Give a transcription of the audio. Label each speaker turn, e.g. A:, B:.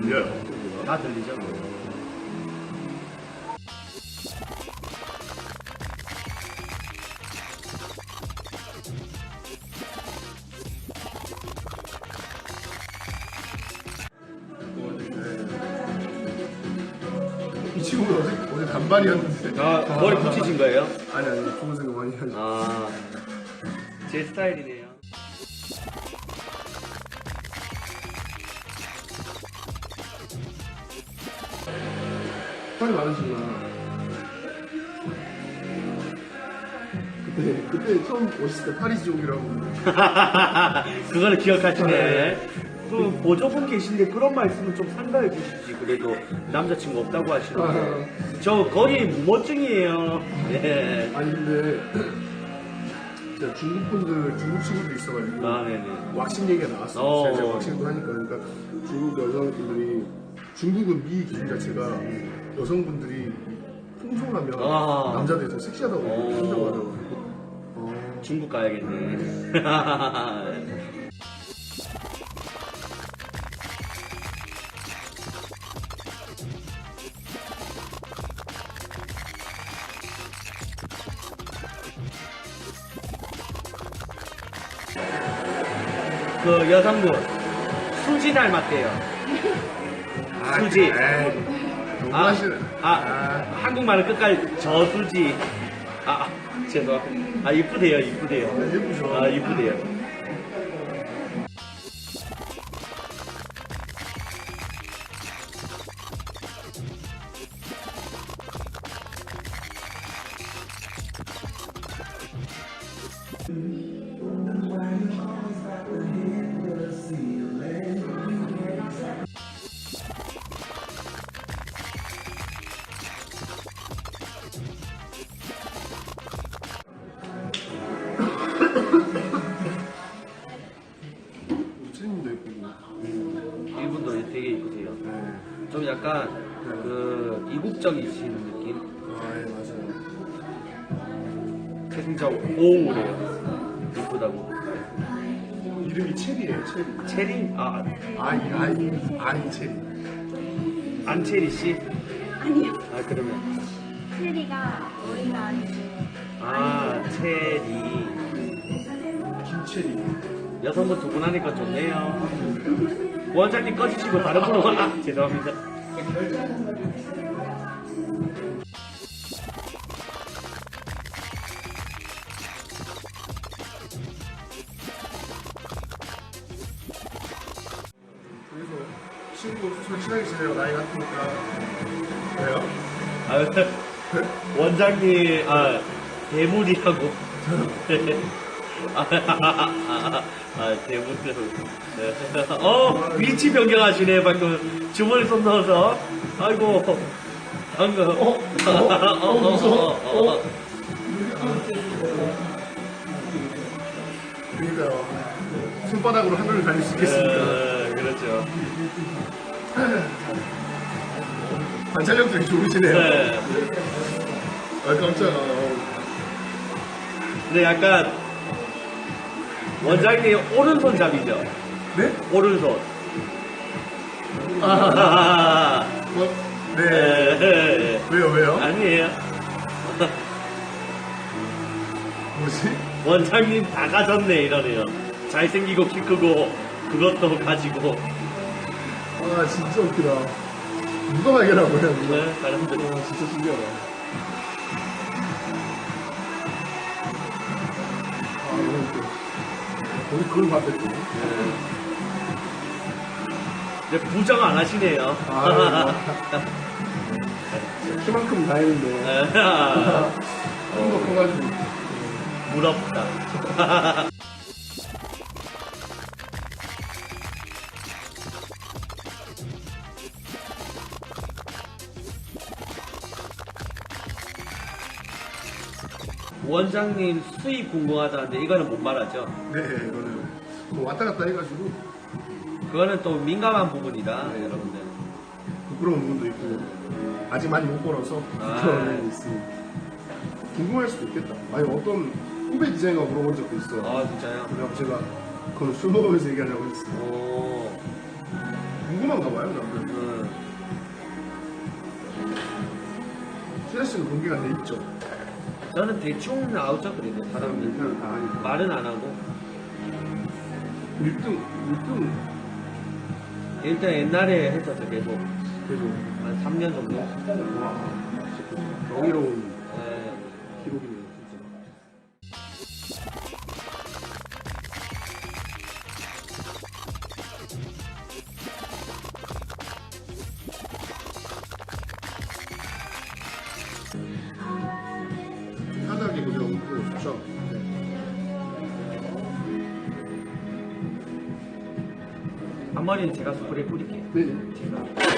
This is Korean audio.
A: 들려요.
B: 다 들리죠?
A: 이 친구가 어제 단발이었는데.
B: 아, 머리 붙이신 거예요?
A: 아니, 좋은 생각 많이 하죠.
B: 아, 제 스타일이네요.
A: 팔이 많으시구나. 그때 처음 오셨을 때 파리 지옥이라고.
B: 그거는 기억하시네. 그 보조분 계신데 그런 말씀은 좀 상가해 주시지. 그래도 남자친구 없다고 하시는데. 저 거의 무모증이에요. 네.
A: 아니, 근데, 제가 중국 친구도 있어가지고.
B: 아, 네네.
A: 왁싱 얘기가 나왔어요. 제가
B: 어.
A: 왁싱도 하니까. 그러니까 중국 여성분들이, 중국은 미 기준 자체가 여성분들이 풍성하면
B: 아.
A: 남자들이 더 섹시하다고 한다고 하더라고요.
B: 중국 가야겠네. 그 여성분 수지 닮았대요. 수지.
A: 너무하시네.
B: 한국말은 끝까지 저수지. 죄송합니다. 이쁘대요, 이쁘대요.
A: 예쁘죠.
B: 이쁘대요.
A: 트림도 예쁘고.
B: 이분도 되게 이쁘세요. 좀 약간 그 이국적이신 느낌?
A: 예, 맞아요.
B: 진짜 오우래요. 이쁘다고.
A: 이름이 체리예요, 체리.
B: 체리?
A: 아이 체리.
B: 안체리 씨?
C: 아니요.
B: 그러면.
C: 체리가 머리가 아니고
B: 체리.
A: 김체리.
B: 여성분 두 분 하니까 좋네요. 원장님 꺼지시고 다른 분으로 죄송합니다.
A: 그래서 친구 솔직하게 지내요. 나이 같으니까. 왜요?
B: 원장님, 대물이라고. 대물이라고. 위치 변경하시네, 방금. 주머니 손 넣어서. 아이고, 방금.
A: 무서워. 그러니까요. 손바닥으로 하늘을 달릴 수 있겠습니까?
B: 그렇죠.
A: 관찰력 되게 좋으시네요.
B: 네.
A: 깜짝아.
B: 근데 약간, 원장님 오른손잡이죠?
A: 네?
B: 오른손.
A: 네. 왜요?
B: 아니에요.
A: 뭐지?
B: 원장님 다 가졌네 이러네요. 잘생기고 키 크고 그것도 가지고.
A: 진짜 웃기다. 누가 발견한 거야, 누가?
B: 네, 사람들.
A: 진짜 신기하다. 너무 웃겨. 거기 그걸 봤댔고.
B: 이제 부정 안 하시네요.
A: 키만큼 다 했는데. 너무 커가지고.
B: 부럽다. 원장님 수입 궁금하다는데 이거는 못 말하죠?
A: 네, 이거는 뭐 왔다 갔다 해가지고
B: 그거는 또 민감한 부분이다, 여러분들.
A: 부끄러운 부분도 있고 아직 많이 못 벌어서 그런 면이 있습니다. 궁금할 수도 있겠다. 아니 어떤 후배 디자이너가 물어본 적도 있어요.
B: 진짜요?
A: 그래서 제가 그건 술 먹으면서 얘기하려고 했어요.
B: 오.
A: 궁금한가 봐요, 남들. 플래시는 공개가 돼 있죠.
B: 저는 대충 나오죠 그래도 사람들
A: 그냥 다 아니까.
B: 말은 안 하고
A: 1등
B: 일단 옛날에 했었죠 계속
A: 계속
B: 한 3년 정도.
A: 와 명예로운
B: 네.
A: 기록이네요 진짜. 하다하게 그냥 그거 좋죠.
B: 앞머리는 제가 스프레이 뿌릴게요.
A: 네네.
B: 제가